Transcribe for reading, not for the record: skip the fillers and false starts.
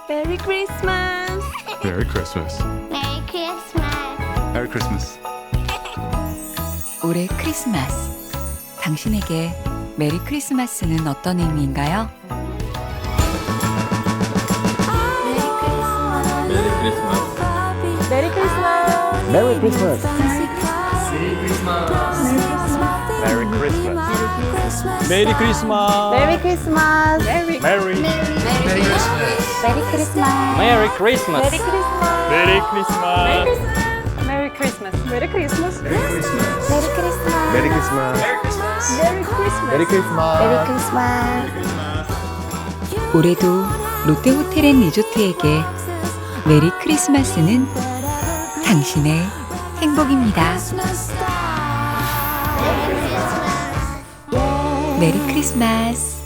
메리 크리스마스. Merry Christmas. 메리 크리스마스. Merry Christmas. 올해 크리스마스. 당신에게 메리 크리스마스는 어떤 의미인가요? 메리 크리스마스. 메리 크리스마스. 메리 크리스마스. 메리 크리스마스. 메리 크리스마스. 메리 크리스마스. 메리 메리 크리스마스. 메리 크리스마스. 메리 크리스마스. 메리 크리스마스. 메리 크리스마스. 메리 크리스마스. 메리 크리스마스. 메리 크리스마스. 메리 크리스마스. 메리 크리스마스. 메리 크리스마스. 올해도 롯데호텔앤리조트에게 메리 크리스마스는 당신의 행복입니다. 메리 크리스마스.